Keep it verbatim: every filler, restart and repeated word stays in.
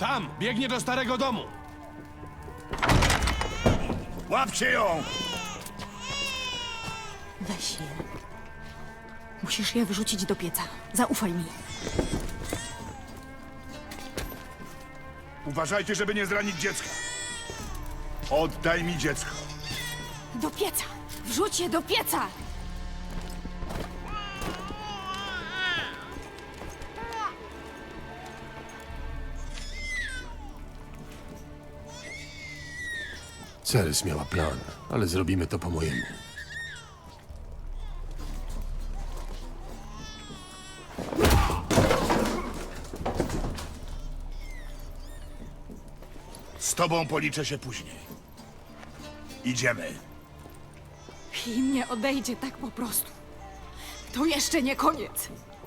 Tam, biegnie do starego domu. Łapcie ją! Weź je. Musisz je wrzucić do pieca. Zaufaj mi. Uważajcie, żeby nie zranić dziecka. Oddaj mi dziecko. Do pieca! Wrzuć je do pieca! Ceres miała plan, ale zrobimy to po mojemu. Z tobą policzę się później. Idziemy. I nie odejdzie tak po prostu. To jeszcze nie koniec.